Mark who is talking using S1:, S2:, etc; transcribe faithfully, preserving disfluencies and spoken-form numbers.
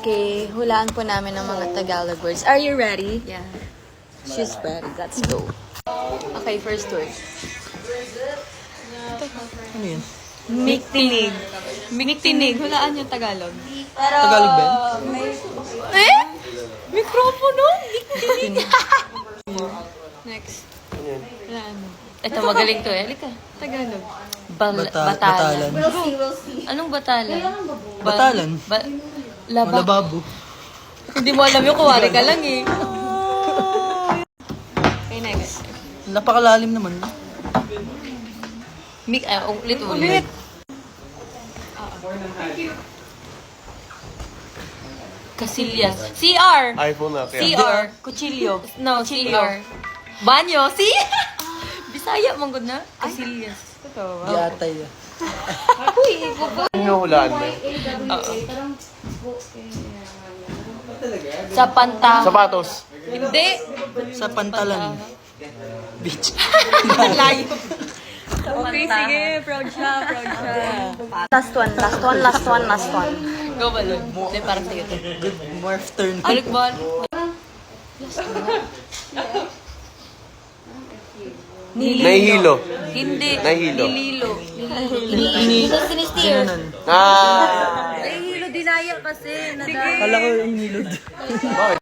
S1: Okay, hulaan po namin ng mga Tagalog words. Are you ready?
S2: Yeah.
S1: She's ready. Let's go. Okay, first word.
S3: Ano yun?
S1: Miktinig. Miktinig. Hulaan yung Tagalog.
S3: Tagalog ba yun?
S1: Eh? Mikropono? Miktinig. Next. Hulaan mo.
S2: Ito, magaling to eh. Halika.
S1: Tagalog.
S2: Bal-
S3: Bata-
S2: batalan.
S3: batalan.
S4: We'll see, we'll see.
S2: Anong batalan? Ba-
S3: Batalan?
S2: Ba- laba.
S3: Malababo.
S2: Hindi mo alam yung kuwari ka lang eh.
S1: Okay, next.
S3: Napakalalim naman.
S2: Mik, ah, ulit ulit. Casillas. C R.
S5: iPhone na
S2: C R. Cuchillo. No, C R. Banyo. C. Bisaya mong good na? Casillas.
S1: Totoo.
S3: Di atay. ah.
S5: Ano hulaan mo?
S2: Sa panta.
S5: Sapatos.
S2: Hindi.
S3: Sa pantalan. Beach.
S2: Layo.
S1: Okay, sige. Proud siya, proud siya. Last one, last one, last one, last one.
S2: Go balon. Hindi, parang sa'yo to.
S3: Good morph turn.
S2: Balik ball.
S5: Nahihilo.
S2: Hindi.
S5: Nahilo.
S2: Nililo.
S3: Ini.
S2: Sinisteer.
S3: Ano nun?
S5: Ah!
S2: Nahihilo, dinaya kasi.
S3: Kala ko inilod.